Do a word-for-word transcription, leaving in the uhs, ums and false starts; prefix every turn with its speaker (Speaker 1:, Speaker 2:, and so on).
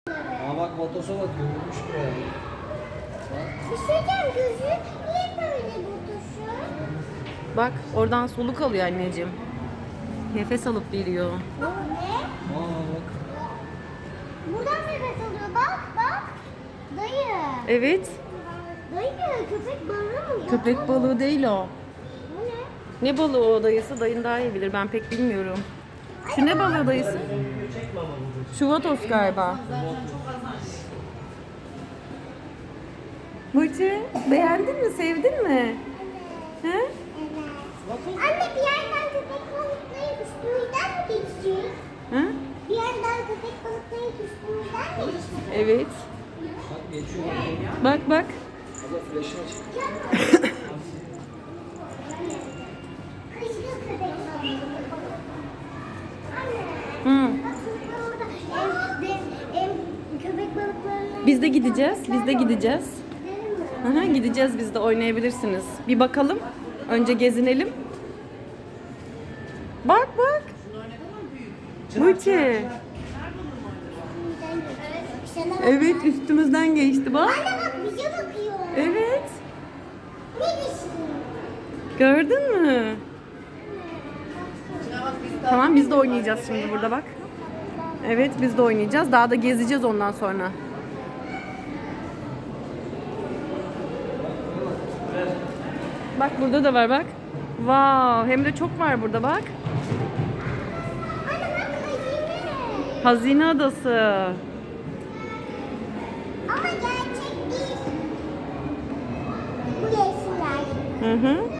Speaker 1: Aa bak Vatos'a bakıyor. Uyumuş buraya.
Speaker 2: Bir şey diyeceğim, gözü niye böyle Vatos'u?
Speaker 3: Bak oradan soluk alıyor anneciğim. Nefes alıp veriyor.
Speaker 2: Bu ne?
Speaker 1: Aa bak.
Speaker 2: Buradan nefes alıyor. Bak bak. Dayı.
Speaker 3: Evet.
Speaker 2: Dayı köpek balığı mı?
Speaker 3: Köpek balığı değil o.
Speaker 2: Bu ne?
Speaker 3: Ne balığı o dayısı? Dayın daha iyi bilir. Ben pek bilmiyorum. Şu ne balığı dayısı? Şu vatos galiba. Burcu beğendin mi? Sevdin mi? He?
Speaker 2: Evet. Anne bir yerden köpek balıkları üstümüzden mi geçecek?
Speaker 3: Hı?
Speaker 2: Bir yerden köpek balıkları üstümüzden mi geçecek?
Speaker 3: Evet.
Speaker 1: Bak geçiyor.
Speaker 3: Bak bak.
Speaker 1: Abla flash'ını açık.
Speaker 2: Kışkı köpek balığı. Anne.
Speaker 3: Hı.
Speaker 2: Bak çocuklar orada em, de- em, köpek balıklarına...
Speaker 3: Biz de gideceğiz. Biz de gideceğiz.
Speaker 2: Gidelim mi?
Speaker 3: Aha, gideceğiz biz de oynayabilirsiniz. Bir bakalım. Önce gezinelim. Bak bak. Burcu.
Speaker 2: Üstümüzden geçecek. Sana bak.
Speaker 3: Evet üstümüzden geçti bak.
Speaker 2: Anne bak bize bakıyor.
Speaker 3: Evet.
Speaker 2: Ne düşün?
Speaker 3: Gördün mü? Tamam biz de oynayacağız şimdi burada bak. Evet biz de oynayacağız. Daha da gezeceğiz ondan sonra. Bak burada da var bak. Wow, hem de çok var burada bak.
Speaker 2: Anne bak hazine.
Speaker 3: Hazine adası.
Speaker 2: Ama gerçek değil. Bu resimler.
Speaker 3: Hı hı.